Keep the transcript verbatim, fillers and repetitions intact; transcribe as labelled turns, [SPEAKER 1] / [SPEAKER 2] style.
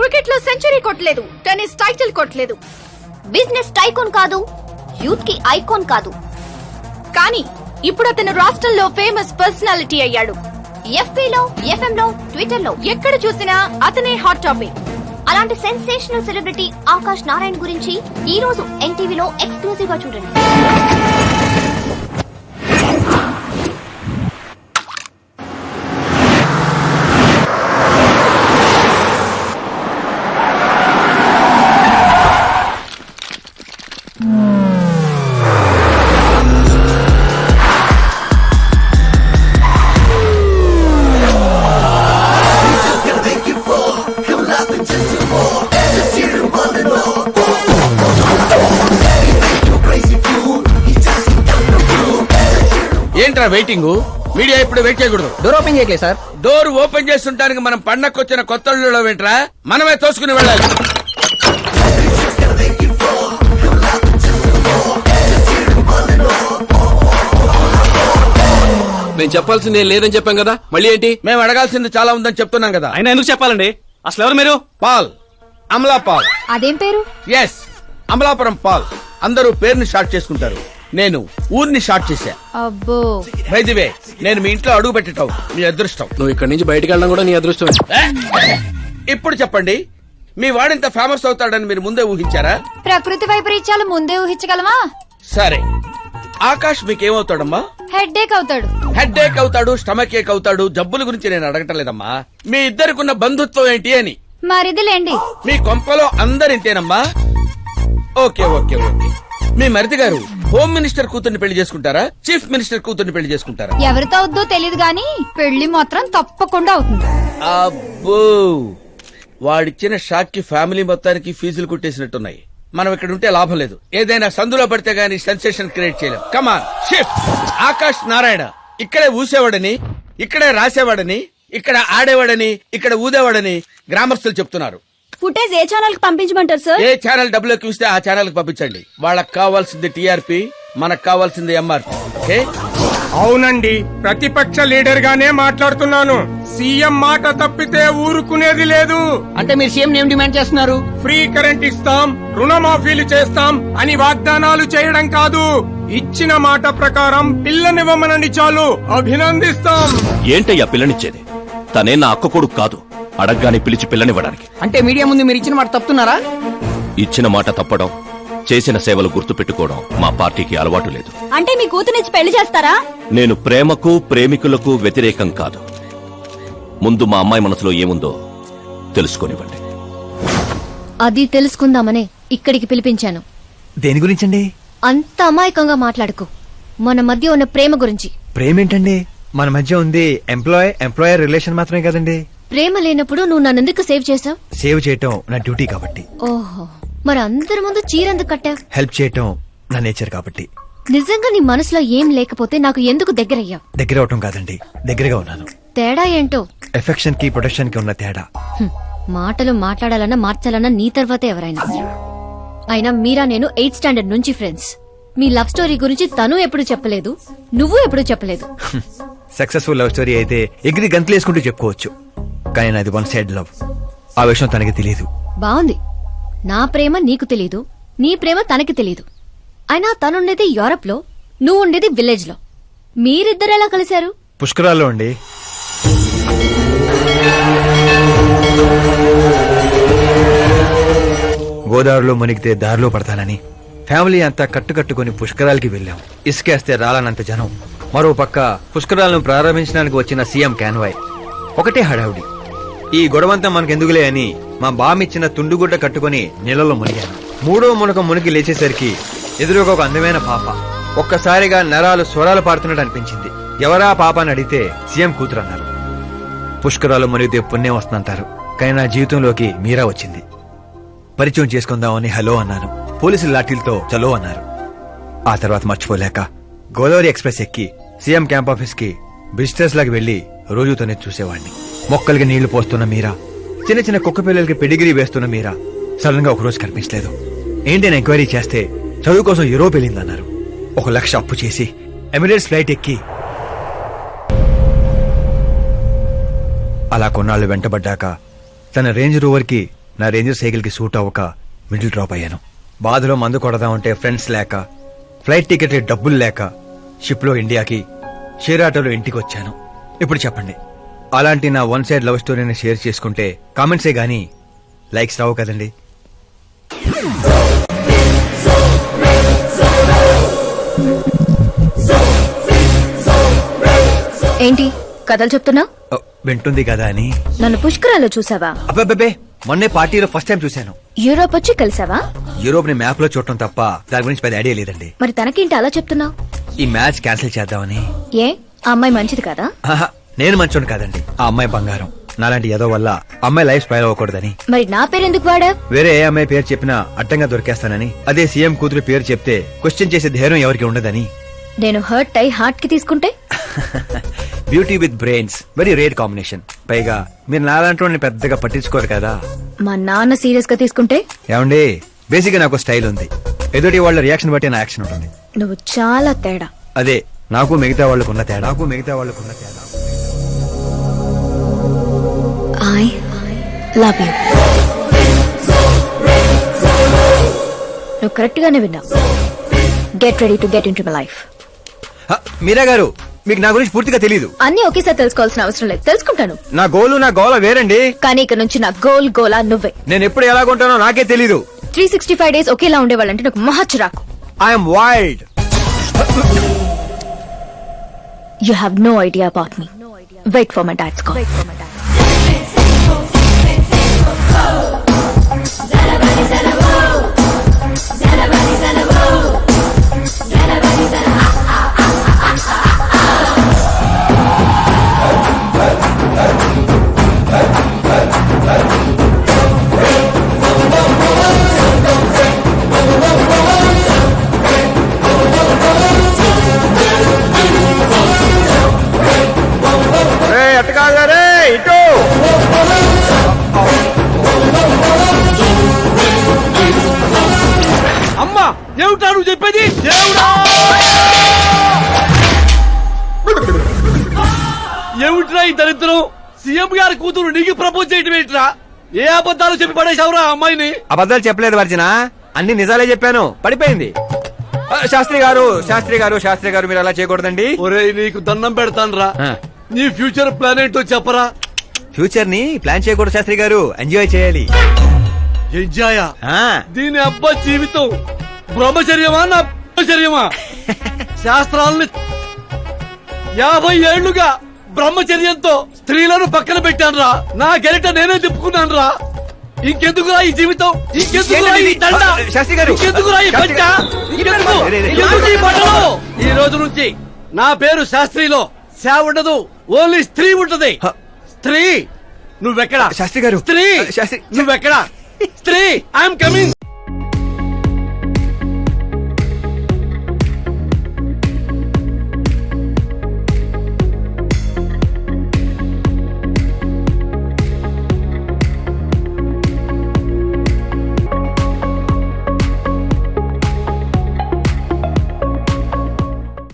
[SPEAKER 1] Cricket లో century కొట్టలేదు, tennis title కొట్టలేదు,
[SPEAKER 2] బిజినెస్ టైకోన్ కాదు, యూత్ కి ఐకాన్ కాదు.
[SPEAKER 1] కానీ ఇప్పుడు అతను రాష్ట్రంలో ఫేమస్ పర్సనాలిటీ అయ్యాడు.
[SPEAKER 2] ఎఫ్బీలో, ఎఫ్ఎం లో, ట్విట్టర్ లో
[SPEAKER 1] ఎక్కడ చూసినా అతనే హాట్ టాపిక్.
[SPEAKER 2] అలాంటి సెన్సేషనల్ సెలబ్రిటీ ఆకాష్ నారాయణ్ గురించి ఈ రోజు ఎన్టీవీలో ఎక్స్క్లూజివ్ గా చూడండి.
[SPEAKER 3] ఏంట్రా వెయిటింగ్? మీడియా ఇప్పుడు వెయిట్ చేయకూడదు.
[SPEAKER 4] డోర్ ఓపెన్ చేయట్లేదు సార్.
[SPEAKER 3] డోర్ ఓపెన్ చేస్తుంటానికి మనం పండక్కొచ్చిన కొత్త అల్లుళ్ళో ఏంట్రా? మనమే తోసుకుని వెళ్ళాలి.
[SPEAKER 5] నేను చెప్పాల్సింది ఏం లేదని చెప్పాం కదా, మళ్ళీ ఏంటి?
[SPEAKER 3] మేము అడగాల్సింది చాలా ఉందని చెప్తున్నాం కదా.
[SPEAKER 5] ఆయన ఎందుకు చెప్పాలండి? అసలు ఎవరు మీరు?
[SPEAKER 3] Paul, Amala Paul.
[SPEAKER 2] అదేం పేరు?
[SPEAKER 3] Yes, Amalapuram Paul. అందరూ పేరుని షార్ట్ చేసుకుంటారు, నేను ఊరిని షార్ట్ చేశా.
[SPEAKER 2] అబ్బో,
[SPEAKER 3] బై ది వే, నేను మీ ఇంట్లో అడుగు పెట్టటం మీ అదృష్టం.
[SPEAKER 5] నువ్వు ఇక్కడి నుంచి బయటకు వెళ్ళడం కూడా నీ అదృష్టం.
[SPEAKER 3] ఇప్పుడు చెప్పండి, మీ వాడింత ఫేమస్ అవుతాడని మీరు ముందే ఊహించారా?
[SPEAKER 2] ప్రకృతి వైపరీత్యాలు ముందే ఊహించగలమా?
[SPEAKER 3] సరే, ఆకాష్ మీకేమవుతాడమ్మా?
[SPEAKER 2] హెడ్ ఏక్ అవుతాడు.
[SPEAKER 3] హెడ్ ఏక్ అవుతాడు, స్టమక్ ఏక్ అవుతాడు. జబ్బుల గురించి నేను అడగటం లేదమ్మా, మీ ఇద్దరికున్న బంధుత్వం ఏంటి అని.
[SPEAKER 2] మరిదిలేండి.
[SPEAKER 3] మీ కొంపలో అందరింతేనమ్మా? Okay okay okay. మీ మరిది గారు హోమ్ మినిస్టర్ కూతుర్ని పెళ్లి చేసుకుంటారా, చీఫ్ మినిస్టర్ కూతుర్ని పెళ్లి చేసుకుంటారా?
[SPEAKER 2] ఎవరితో అవుద్దో తెలియదు గాని పెళ్లి మాత్రం తప్పకుండా అవుతుంది.
[SPEAKER 3] అబ్బో, వాడిచ్చిన షాక్ కి ఫ్యామిలీ మొత్తానికి ఫీజులు కుట్టేసినట్టున్నాయి. మనం ఇక్కడ ఉంటే లాభం లేదు. ఏదైనా సందులో పడితే గానీ సెన్సేషన్ క్రియేట్ చేయలేం. Come on shift. ఆకాష్ నారాయణ ఇక్కడే ఊసేవాడని, ఇక్కడే రాసేవాడని, ఇక్కడ ఆడేవాడని, ఇక్కడ ఊదేవాడని గ్రామస్తులు చెప్తున్నారు.
[SPEAKER 2] ఫుటేజ్ ఏ ఛానల్ కి పంపించమంటారు సార్?
[SPEAKER 3] ఏ ఛానల్ డబ్బులు ఎక్కువ ఇస్తే ఆ ఛానల్ కి పంపించండి. వాళ్ళకి కావాల్సింది టీఆర్పీ, మనకు కావాల్సింది ఎంఆర్పీ. ఓకే?
[SPEAKER 6] అవునండి, ప్రతిపక్ష లీడర్ గానే మాట్లాడుతున్నాను. సీఎం మాట తప్పితే ఊరుకునేది లేదు.
[SPEAKER 4] అంటే మీరు సీఎం ఏం డిమాండ్ చేస్తున్నారు?
[SPEAKER 6] ఫ్రీ కరెంట్ ఇస్తాం, రుణమాఫీలు చేస్తాం అని వాగ్దానాలు చేయడం కాదు, ఇచ్చిన మాట ప్రకారం పిల్లనివ్వమనండి చాలు, అభినందిస్తాం.
[SPEAKER 7] ఏంటయ్యా పిల్లనిచ్చేది? తనే నా అక్క కొడుకు కాదు, అడగ్గానే పిలిచి పిల్లనివ్వడానికి.
[SPEAKER 4] అంటే మీడియా ముందు మీరు ఇచ్చిన మాట తప్పుతున్నారా?
[SPEAKER 7] ఇచ్చిన మాట తప్పడం, చేసిన సేవలు గుర్తు పెట్టుకోవడం మా పార్టీకి అలవాటు లేదు.
[SPEAKER 2] అంటే మీ కూతురిచ్చి పెళ్లి చేస్తారా?
[SPEAKER 7] నేను ప్రేమకు ప్రేమికులకు వ్యతిరేకం కాదు. ముందు మా అమ్మాయి మనసులో ఏముందో తెలుసుకోనివ్వండి.
[SPEAKER 2] అది తెలుసుకుందామనే ఇక్కడికి పిలిపించాను.
[SPEAKER 8] దేని గురించండి?
[SPEAKER 2] అంత అమాయకంగా మాట్లాడుకో. మన మధ్య ఉన్న ప్రేమ గురించి.
[SPEAKER 8] ప్రేమ ఏంటండి? మన మధ్య ఉంది ఎంప్లాయ్ ఎంప్లాయర్ రిలేషన్ మాత్రమే కదండి.
[SPEAKER 2] ప్రేమ లేనప్పుడు నువ్వు నన్నెందుకు సేవ్ చేసావు?
[SPEAKER 8] సేవ్ చేయటం నా డ్యూటీ కాబట్టి.
[SPEAKER 2] ఓహో, మరి అందరి ముందు చీరెందుకు కట్టావు?
[SPEAKER 8] హెల్ప్ చేయటం నా నేచర్ కాబట్టి.
[SPEAKER 2] నిజంగా నీ మనసులో ఏం లేకపోతే నాకు ఎందుకు దగ్గరయ్యావు?
[SPEAKER 8] దగ్గర అవటం కాదండి, దగ్గరగా ఉన్నాను.
[SPEAKER 2] తేడా ఏంటో?
[SPEAKER 8] ఎఫెక్షన్ కి ప్రొటెక్షన్ కి ఉన్న తేడా.
[SPEAKER 2] హ్మ్, మాటలు మాట్లాడాలన్నా మార్చాలన్నా నీ తర్వాతే ఎవరైనా. అయినా మీరా నేను ఎయిత్ స్టాండర్డ్ నుంచి ఫ్రెండ్స్. మీ లవ్ స్టోరీ గురించి తను ఎప్పుడు చెప్పలేదు, నువ్వు ఎప్పుడు చెప్పలేదు.
[SPEAKER 8] సక్సెస్ఫుల్ లవ్ స్టోరీ అయితే ఎగిరి గంతులేసుకుంటూ చెప్పుకోవచ్చు, కానీ నాది వన్ సైడ్ లవ్. ఆ విషయం తనకి తెలియదు.
[SPEAKER 2] బాగుంది, నా ప్రేమ నీకు తెలీదు, నీ ప్రేమ తనకి తెలీదు. అయినా తనుండేది యూరప్ లో, నువ్వు ఉండేది విలేజ్ లో. మీరిద్దరు ఎలా కలిశారు?
[SPEAKER 8] పుష్కరాల్లో అండి. గోదావరిలో మునిగితే దారిలో పడతానని ఫ్యామిలీ అంతా కట్టుకట్టుకుని పుష్కరాలకి వెళ్ళాం. ఇసుకేస్తే రాలనంత జనం. మరో పక్క పుష్కరాలను ప్రారంభించడానికి వచ్చిన సీఎం కాన్వాయ్. ఒకటే హడావుడి. ఈ గొడవంతా మనకెందుకులే అని మా బామిచ్చిన తుండుగుడ్డ కట్టుకుని నీళ్ళలో మునిగాను. మూడో మునక మునిగి లేచేసరికి ఎదురుగా ఒక అందమైన పాప. ఒక్కసారిగా నరాలు స్వరాలు పాడుతున్నట్టు అనిపించింది. ఎవరా పాప అని అడిగితే సీఎం కూతురు అన్నారు. పుష్కరాలు మునిగితే పుణ్యం వస్తుందంటారు, కానీ నా జీవితంలోకి మీరా వచ్చింది. పరిచయం చేసుకుందామని హలో అన్నాను. పోలీసులు లాఠీలతో చలో అన్నారు. ఆ తర్వాత మర్చిపోలేక గోదావరి ఎక్స్ప్రెస్ ఎక్కి సీఎం క్యాంప్ ఆఫీస్ కి విజిటర్స్ లాగా వెళ్లి రోజుతోనే చూసేవాడిని. మొక్కలకి నీళ్లు పోస్తున్న మీరా, చిన్న చిన్న కుక్క పిల్లలకి పెడిగిరీ వేస్తున్న మీరా సడన్ గా ఒకరోజు కనిపించలేదు. ఏంటని ఎంక్వైరీ చేస్తే చదువు కోసం యూరోప్ వెళ్ళిందన్నారు. ఒక లక్ష అప్పు చేసి ఎమిరేట్స్ ఫ్లైట్ ఎక్కి అలా కొన్నాళ్లు వెంటబడ్డాక తన రేంజ్ రోవర్ కి నా రేంజర్ సైకిల్ కి సూట్ అవ్వక మిడిల్ డ్రాప్ అయ్యాను. బాధలో మందు కొడదామంటే ఫ్రెండ్స్ లేక, ఫ్లైట్ టికెట్ డబ్బులు లేక షిప్ లో ఇండియాకి, షేర్ ఆటోలో ఇంటికి వచ్చాను. ఇప్పుడు చెప్పండి, అలాంటి నా వన్ సైడ్ లవ్ స్టోరీని షేర్ చేసుకుంటే కామెంట్సే గానీ లైక్స్ రావు కదండి.
[SPEAKER 2] ఏంటి కథలు చెప్తున్నా?
[SPEAKER 8] ఓ, వింటుంది కదా అని.
[SPEAKER 2] నన్ను పుష్కరాల్లో చూసావా?
[SPEAKER 8] అబ్బాబ్బే, మొన్నే పార్టీలో ఫస్ట్ టైం చూశాను.
[SPEAKER 2] యూరోప్ వచ్చి కలిసావా?
[SPEAKER 8] యూరోప్ ని మ్యాప్ లో చూడటం తప్ప దాని గురించి పెద్ద ఐడియా లేదండి.
[SPEAKER 2] మరి తనకేంటి అలా చెప్తున్నావు?
[SPEAKER 8] ఈ మ్యాచ్ క్యాన్సిల్ చేద్దామని.
[SPEAKER 2] ఏ ఆ అమ్మాయి మంచిది కదా?
[SPEAKER 8] ఆహా, నేను మంచోడు కాదండి, ఆ అమ్మాయి బంగారం. నాలాంటి ఏదో వల్ల అమ్మాయి లైఫ్ స్పైల్ అవ్వకూడదని.
[SPEAKER 2] మరి నా పేరు ఎందుకు వాడా?
[SPEAKER 8] వేరే ఏ అమ్మాయి పేరు చెప్పినా అడ్డంగా దొరికేస్తానని. అదే సీఎం కూతురు పేరు చెప్తే క్వశ్చన్ చేసే ధైర్యం ఎవరికి ఉండదని.
[SPEAKER 2] నేను హర్ట్ అయి హార్ట్ కి తీసుకుంటే?
[SPEAKER 8] Beauty with brains very rare combination. పైగా మీరు నాలాంటి పెద్దగా పట్టించుకోరు కదా.
[SPEAKER 2] మా నాన్న సీరియస్ గా తీసుకుంటే?
[SPEAKER 8] ఏమండి, బేసిక్ గా నాకు స్టైల్ ఉంది. ఎదుటి వాళ్ళ రియాక్షన్ బట్టి నా యాక్షన్ ఉంటుంది.
[SPEAKER 2] నువ్వు చాలా తేడా.
[SPEAKER 8] అదే నాకు మిగతా వాళ్ళకున్న తేడా. నాకు మిగతా వాళ్ళకున్న తేడా.
[SPEAKER 2] I love you. నువ్వు కరెక్ట్ గానే విన్నావు. Get ready to get into my life.
[SPEAKER 8] హ, మీరా గారు, మీకు నా గురించి పూర్తిగా తెలీదు.
[SPEAKER 2] అన్ని ఒకేసారి తెలుసుకోవాల్సిన అవసరం లేదు, తెలుసుకుంటాను.
[SPEAKER 8] నా గోలు నా గోల వేరండి.
[SPEAKER 2] కానీ ఇక నుంచి నా గోల్ గోలా నువ్వే.
[SPEAKER 8] నేను ఎప్పుడు ఎలాగుంటానో నాకే తెలీదు.
[SPEAKER 2] త్రీ సిక్స్టీ ఫైవ్ డేస్ ఒకేలా ఉండేవాళ్ళంటే నాకు మహా చిరాకు.
[SPEAKER 8] I'm wild.
[SPEAKER 2] You have no idea about me. Wait for my dad's call.
[SPEAKER 3] అమ్మా, ఏమిటా నువ్వు చెప్పేది? దేవుడా, ఏమిట్రా ఈ దరిద్రం? సీఎం గారి కూతురు నీకు ప్రపోజ్ చేయటం ఏంట్రా? ఏ అబద్ధాలు చెప్పి పడేశావురా అమ్మాయిని?
[SPEAKER 8] అబద్ధాలు చెప్పలేదు వర్జన, అన్ని నిజాలే చెప్పాను. పడిపోయింది. ఆ, శాస్త్రి గారు శాస్త్రి గారు శాస్త్రి గారు మీరు అలా చేయకూడదండి.
[SPEAKER 3] ఒరేయ్, నీకు దండం పెడతానురా.
[SPEAKER 8] ఆ.
[SPEAKER 3] నీ ఫ్యూచర్ ప్లాన్ ఏంటో చెప్పరా.
[SPEAKER 8] ఫ్యూచర్ ని ప్లాన్ చేయకూడదు శాస్త్రి గారు, ఎంజాయ్ చేయాలి.
[SPEAKER 3] ఎంజాయా?
[SPEAKER 8] ఆ,
[SPEAKER 3] దీని అబ్బా జీవితం బ్రహ్మచర్యమా నా బ్రహ్మచర్యమా? శాస్త్రాలని యాభై ఏళ్లుగా బ్రహ్మచర్యంతో స్త్రీలను పక్కన పెట్టాను రా. నా గెలిట నేనే తిప్పుకున్నాను రా. ఇంకెందుకురా ఈ జీవితం? ఇంకెందుకురా ఈ దండ?
[SPEAKER 8] శాస్త్రి గారు,
[SPEAKER 3] ఇంకెందుకురా ఈ పంట? ఇంకెందుకు? ఇంకెందుకు ఈ బట్టలు? ఈ రోజు నుంచి నా పేరు శాస్త్రిలో శా ఉండదు, ఓన్లీ స్త్రీ ఉంటది.
[SPEAKER 8] హ.
[SPEAKER 3] స్త్రీ. నువ్వెక్కడా
[SPEAKER 8] శాస్త్రి గారు,
[SPEAKER 3] స్త్రీ?
[SPEAKER 8] శాస్త్రి
[SPEAKER 3] నువ్వెక్కడా స్త్రీ? I'm coming.